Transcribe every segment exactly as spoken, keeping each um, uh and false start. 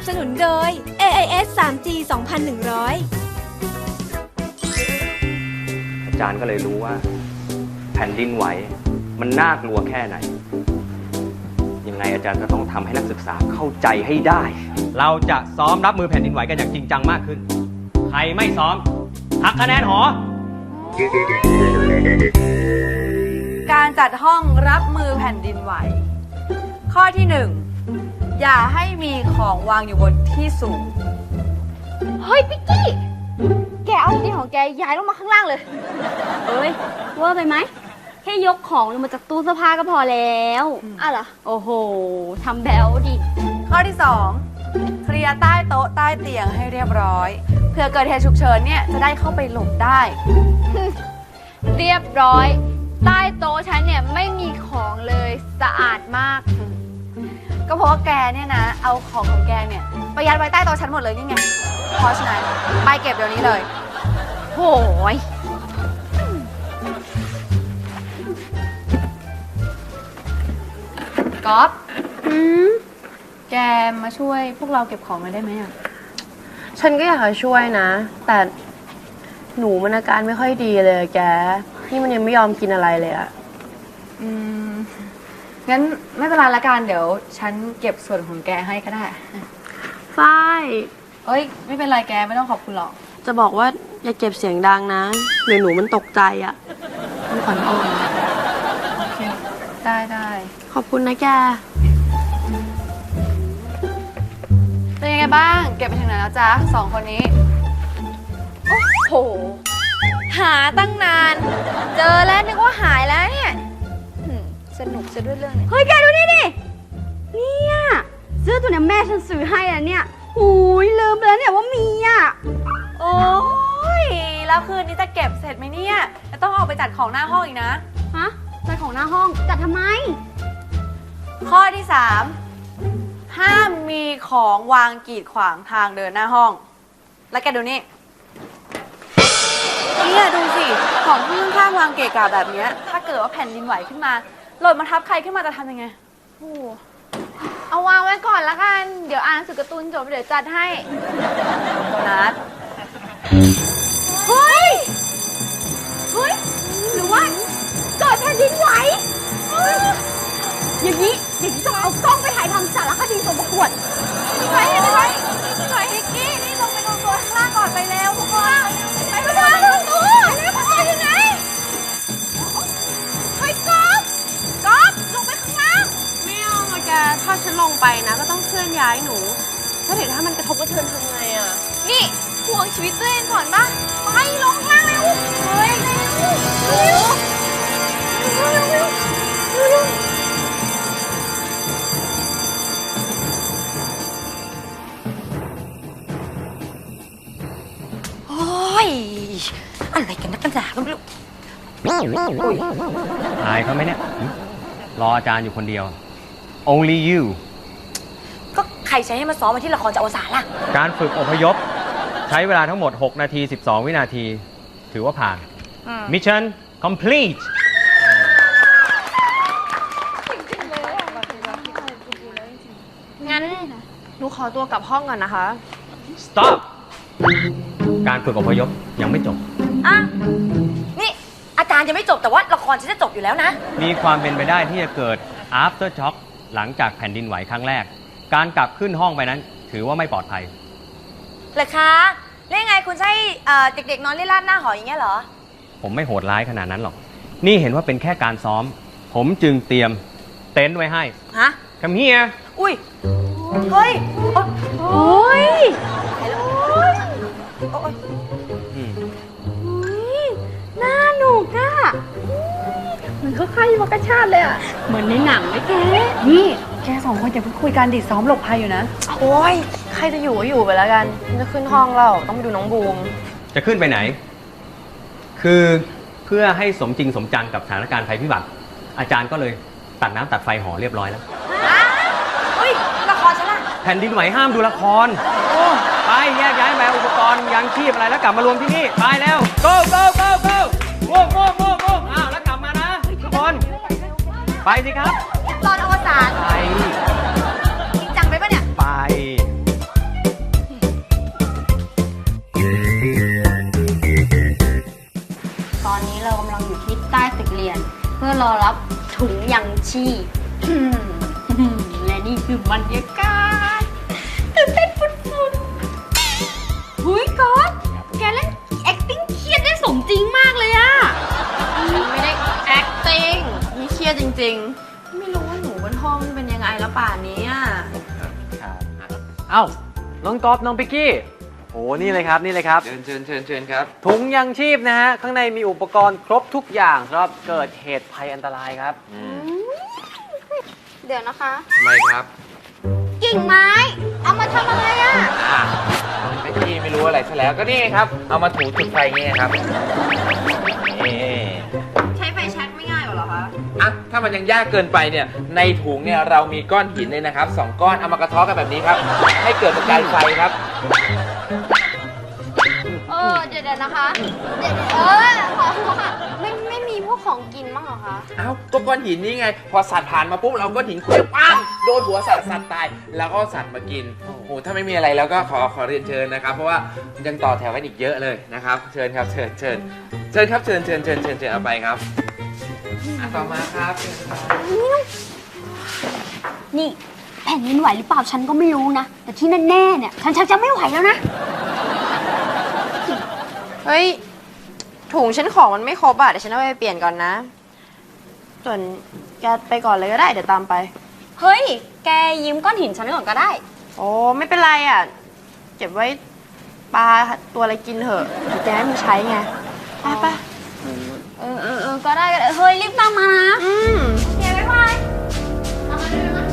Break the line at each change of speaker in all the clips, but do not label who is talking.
สนุนโดย เอ ไอ เอส ทรี จี สองพันหนึ่งร้อย
อาจารย์ก็เลยรู้ว่าแผ่นดินไหวมันน่ากลัวแค่ไหนยังไงอาจารย์จะต้องทำให้นักศึกษาเข้าใจให้ได้เราจะซ้อมรับมือแผ่นดินไหวกันอย่างจริงจังมากขึ้นใครไม่ซ้อมหักคะแนนหอ
การจัดห้องรับมือแผ่นดินไหวข้อที่หนึ่งอย่าให้มีของวางอยู่บนที่สูง
เฮ้ยปิ๊กกี้แกเอาดินของแกย้ายลงมาข้างล่างเลยเอ้ยเวอร์ไปไหมแค่ยกของลงมาจากตู้เสื้อผ้าก็พอแล้วอ่ะเหรอโอ้โหทำแบลดิ
ข้อที่สองเคลียร์ใต้โต๊ะใต้เตียงให้เรียบร้อยเผื่อเกิดเหตุฉุกเฉินเนี่ยจะได้เข้าไปหลบได้
เรียบร้อยใต้โต๊ะฉันเนี่ยไม่มีของเลยสะอาดมาก
ก็เพราะว่าแกเนี่ยนะเอาของของแกเนี่ยไปยัดไว้ใต้โต๊ะฉันหมดเลยนี่ไงเพราะฉะนั้นไปเก็บเดี๋ยวนี้เลย
โหย
ก๊อฟแกมาช่วยพวกเราเก็บของมาได้ไหมอ่ะ
ฉันก็อยากจะช่วยนะแต่หนูมันอาการไม่ค่อยดีเลยแกนี่มันยังไม่ยอมกินอะไรเลยอะ
อืมงั้นไม่เป็นไรละกันเดี๋ยวฉันเก็บส่วนของแกให้ก็ได้
ฝ้าย
เอ้ยไม่เป็นไรแกไม่ต้องขอบคุณหรอก
จะบอกว่าอย่าเก็บเสียงดังนะเดี๋ยวหนูมันตกใจอะมันขวัญอ่อน
โอเคได้ได้
ขอบคุณนะแก
เป็นยังไงบ้างเก็บไปถึงไหนแล้วจ๊ะสองคนนี้
โอ้โหหาตั้งนานเจอแล้วนึกว่าหายแล้วเนี่ยสนุกซะด้วยเรื่องนี้เฮ้ยแกดูนี่ดิเนี่ยเสื้อตัวนี้แม่ฉันซื้อให้อ่ะเนี่ยหูยลืมไปแล้วเนี่ยว่ามีอ่ะ
โอ้ยแล้วคืนนี้จะเก็บเสร็จไหมเนี่ยจะต้องออกไปจัดของหน้าห้องอีกนะ
ฮะจัดของหน้าห้องจัดทำไม
ข้อที่สามห้ามมีของวางกีดขวางทางเดินหน้าห้องแล้วแกดูนี่เนี่ยดูสิของที่ข้างๆวางเกะกะแบบนี้ถ้าเกิดว่าแผ่นดินไหวขึ้นมาหล่นมาทับใครขึ้นมาจะทำยังไง
โอ้เอาวางไว้ก่อนละกันเดี๋ยวอ่านหนังสือการ์ตูนจบเดี๋ยวจัดให้
โดนัท
เฮ้ยเฮ้ยหรือว่าเกิดแผ่นดินไหวอย่างนี้อย่างนี้ต้องเอากล้องไปถ่ายทำสารคดีส่งประกวด
ไปเห็นไหมหน่อยฮิกกี้นี่ลงไปลงตัวข้างล่างก่อนไปแล้วทุกคน
ไปไปไปลงตัวแล้วมันจะอยู่ไหนเฮ้ยก๊อฟก๊อฟลงไปข้างล่าง
ไม่เอาอะแกถ้าฉันลงไปนะก็ต้องเคลื่อนย้ายหนูถ้าเดี๋ยวถ้ามันกระทบกระเทือนทำไงอะ
นี่ห่วงชีวิตตัวเองก่อนป่ะไปลงข้างล่างเร็วเฮ้ยเร็วเร็วเร็วเร็วเร็ว
อะไรกันนักกันหนาก็ไม่รู้
อายเขาไหมเนี่ยรออาจารย์อยู่คนเดียว only you
ก็ใครใช้ให้มาซ้อมมาที่ละครจะอวสานล่ะ
การฝึกอพยพใช้เวลาทั้งหมดหกนาทีสิบสองวินาทีถือว่าผ่าน mission complete
งั้นหนูขอตัวกลับห้องก่อนนะคะ
stop การฝึกอพยพยังไม่จบ
อ่ะนี่อาจารย์ยังไม่จบแต่ว่าละครฉันจะจบอยู่แล้วนะ
มีความเป็นไปได้ที่จะเกิด after shock หลังจากแผ่นดินไหวครั้งแรกการกลับขึ้นห้องไปนั้นถือว่าไม่ปลอดภัย
เหรอคะเรื่องไงคุณใช่เด็กๆนอนเล่นราดหน้าหออย่างเงี้ยเหรอ
ผมไม่โหดร้ายขนาดนั้นหรอกนี่เห็นว่าเป็นแค่การซ้อมผมจึงเตรียมเต็นท์ไว้ให้
ฮะ
Come here
อุ้ยเฮ้ย
โอ้ยน่าหนุกอะเหมือนเขาใครมากระชากเลยอะเหมือนในหนังเลยแก
นี่แกสองคนอย่าเพิ่งคุยกันดิซ้อมหลบภัยอยู่นะ
โอ้ยใครจะอยู่ก็อยู่ไปแล้วกันจะขึ้นห้องเราต้องไปดูน้องบูม
จะขึ้นไปไหนคือเพื่อให้สมจริงสมจังกับสถานการณ์ภัยพิบัติอาจารย์ก็เลยตัดน้ำตัดไฟหอเรียบร้อยแล้ว
เฮ้ยละครฉันล่ะ
แผ่นดินไหวห้ามดูละครไปแยกย้ายแมวอุปกรณ์ยังชีพอะไรแล้วกลับมารวมที่นี่ไปแล้ว go go go go โว้โว้โว้โว้อ้าวแล้วกลับมานะทุกคนไปสิครับ
ตอนอวสาน
ไป
จริงจังไปปะเนี่ย
ไป
ชีพ และนี่คือบรรยากาศตื่นเต้นฟุดๆหุยก๊อตแกเล่น acting เครียดได้สมจริงมากเลยอะ
ไม่ได้ acting นี่เครียดจริงๆ ไม่รู้ว่าหนูบนห้องเป็นยังไงแล้วป่านนี้อ่ะ
เอ้า น้องก๊อฟน้องปิกกี้โอ้นี่เลยครับ นี่เลยครับ
เชิญเชิญเชิญเชิญครับ
ถุงยังชีพนะฮะ ข้างในมีอุปกรณ์ครบทุกอย่างครับ เกิดเหตุภัยอันตรายครับ
เดี๋ยวนะคะ
ทำไมครับ
กิ่งไม้ เอามาทำอะไรอะ
อ่ะน้องเป๊กกี้ไม่รู้อะไรซะแล้วก็นี่ไงครับ เอามาถูจุดไฟไงครับนี่
ใช้ไฟแช็กไม่ง่ายกว่าเหรอคะ
อ่ะถ้ามันยังยากเกินไปเนี่ยในถุงเนี่ยเรามีก้อนหินเลยนะครับสองก้อนเอามากระเทาะกันแบบนี้ครับ ให้เกิดประกายไฟครับ
เออ เดี๋ยวเดี๋ยวนะคะ เดี๋ยวเออ ขอโทษค่ะ ไม่ไม่มีพวกของกินบ้างเหรอคะ
เอ้าก็ก้อนหินนี่ไง พอสัตว์ผ่านมาปุ๊บเราก็หินเคลื่อนปั้งโดนหัวสัตว์สัตว์ตาย แล้วก็สัตว์มากินโอ้โหถ้าไม่มีอะไรแล้วก็ขอขอเรียนเชิญนะครับ เพราะว่ายังต่อแถวกันอีกเยอะเลยนะครับ เชิญครับเชิญเชิญเชิญครับเชิญเชิญเชิญเชิญเชิญเอาไปครับอ่ะต่อมาครับเชิญครับ
นี่แผ่นดินไหวหรือเปล่าฉันก็ไม่รู้นะ แต่ที่แน่ๆเนี่ย ฉันชักจะไม่ไหวแล้วนะ
เฮ้ย ถุงฉันของมันไม่ครบอ่ะ เดี๋ยวฉันเอาไปเปลี่ยนก่อนนะ ส่วนแกไปก่อนเลยก็ได้ เดี๋ยวตามไป
เฮ้ย แกยืมก้อนหินฉันก่อนก็ได้
โอ้ไม่เป็นไรอ่ะ เก็บไว้ปลาตัวอะไรกินเถอะเดี๋ยวแกให้มึงใช้ไงไปไป
เออเออเออก็ได้ก็ได้ เฮ้ย รีบตามมานะ
อืม
แกบ๊ายบายตามมาด้วยนะ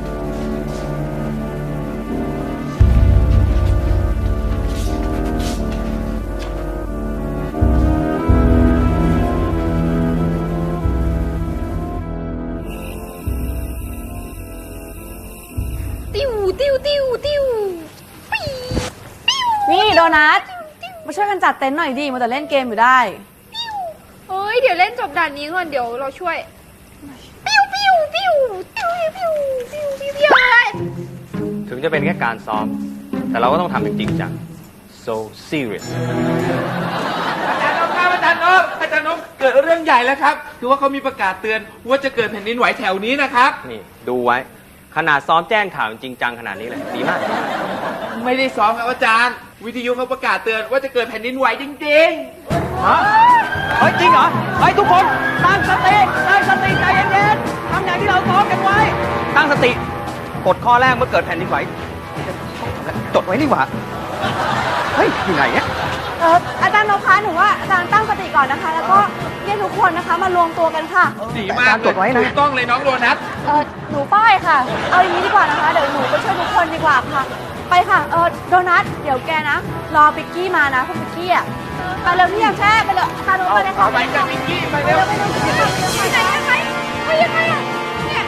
ติ้วติ้วติ้วติ้วปี๊ปิ้ว
นี่โดนัท มาช่วยกันจัดเต็นท์หน่อยดิมาแต่เล่นเกมอยู่ได้
เฮ้ย เดี๋ยวเล่นจบด่านนี้ก่อน เดี๋ยวเราช่วย ปิ้วปิ้วปิ้วปิ้วปิ้วปิ้วปิ้วปิ้วอะไร
ถึงจะเป็นแค่การซ้อม แต่เราก็ต้องทำจริงๆจัง so serious
อาจารย์นกครับอาจารย์นกอาจารย์นกเกิดเรื่องใหญ่แล้วครับคือว่าเขามีประกาศเตือนว่าจะเกิดแผ่นดินไหวแถวนี้นะครับ
นี่ดูไว้ ขนาดซ้อมแจ้งข่าวจริงจังขนาดนี้เลย ดีมากดีมาก
ไม่ได้ซ้อมครับอาจารย์ วิทยุเขาประกาศเตือนว่าจะเกิดแผ่นดินไหวจริง
ฮะเฮ้ย จริงเหรอ เฮ้ย ทุกคนตั้งสติตั้งสติใจเย็นๆทำอย่างที่เราซ้อมกันไว้ ตั้งสติกฎข้อแรกเมื่อเกิดแผ่นดินไหวจดไว้ดีกว่า เฮ้ย อยู่ไหนเนี่ย
เอออาจารย์นพคะหนูว่าอาจารย์ตั้งสติก่อนนะคะ แล้วก็เรียกทุกคนนะคะมารวมตัวกันค่ะ
ๆ ดีมาก
จดไว้นะ
ถูกต้องเลยน้องโดนัท
เออหนูป้ายค่ะ เอาอย่างนี้ดีกว่านะคะ เดี๋ยวหนูไปช่วยทุกคนดีกว่าค่ะ ไปค่ะ เออโดนัท เดี๋ยวแกนะ รอปิกกี้มานะพวกปิกกี้อ่ะไปเร็วที่อยากแช่ไปเลยพาหนูไปเลยค่ะ
ไปกับมิกกี้ไปเร็ว
ไปเร็วไปเร็วไปไหนยังไงไปยังไงอ่ะเนี่ย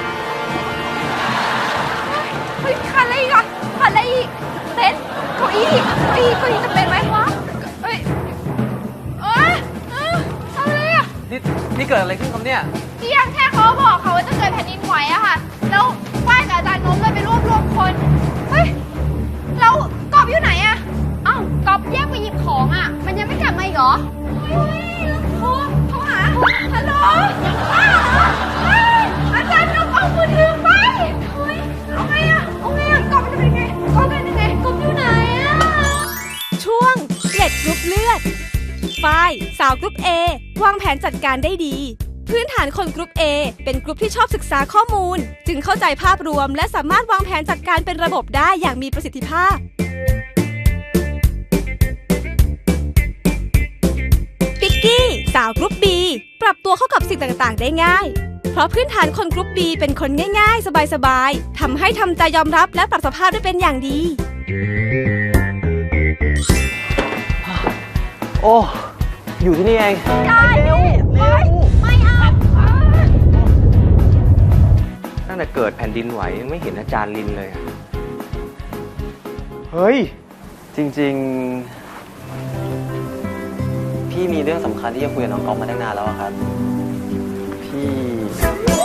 เฮ้ยขาดอะไรอีกอ่ะขาดอะไรอีกเต็นท์เก้าอี้เก้าอี้เก้าอี้จะเป็นไหมวะเฮ้ยเอ้ยเอ้ยทำอะไรอ่ะ
นี่นี่เกิดอะไรขึ้นครับเนี่ย
ที่ยังแค่เขาบอกเขาว่าจะเกิดแผ่นดินไหวอะค่ะ แล้วฝ้ายกับอาจารย์นพเลยไปรวบรวมคน เฮ้ย เรากอบอยู่ไหนอะอ้าวกอบแยกไปหยิบของอะมันยังไม่กลับมาอีกเหรอเฮ้ยโทรโทรหาฮัลโหลอ้าวเฮ้ยอาจารย์นพเอามือถือไปเฮ้ยเอาไงอะเอาไงอะกอบมันจะเป็นยังไงกอบเป็นยังไงกอบอยู่ไหนอะ
ช่วงเกล็ดกรุ๊ปเลือด ฝ้ายสาวกรุ๊ป A วางแผนจัดการได้ดี พื้นฐานคนกรุ๊ป A เป็นกรุ๊ปที่ชอบศึกษาข้อมูล จึงเข้าใจภาพรวมและสามารถวางแผนจัดการเป็นระบบได้อย่างมีประสิทธิภาพ ปิกกี้สาวกรุ๊ป B ปรับตัวเข้ากับสิ่งต่างๆได้ง่าย เพราะพื้นฐานคนกรุ๊ป B เป็นคนง่ายๆ สบายๆทำให้ทำใจยอมรับและปรับสภาพได้เป็นอย่างดี
โอ้ อยู่ที่นี่เอง
ตั้งแต่เกิดแผ่นดินไหวยังไม่เห็นอาจารย์ลินเลยอะ
เฮ้ย จริงๆ พี่มีเรื่องสำคัญที่จะคุยกับน้องก๊อฟมาตั้งนานแล้วอะครับ พี่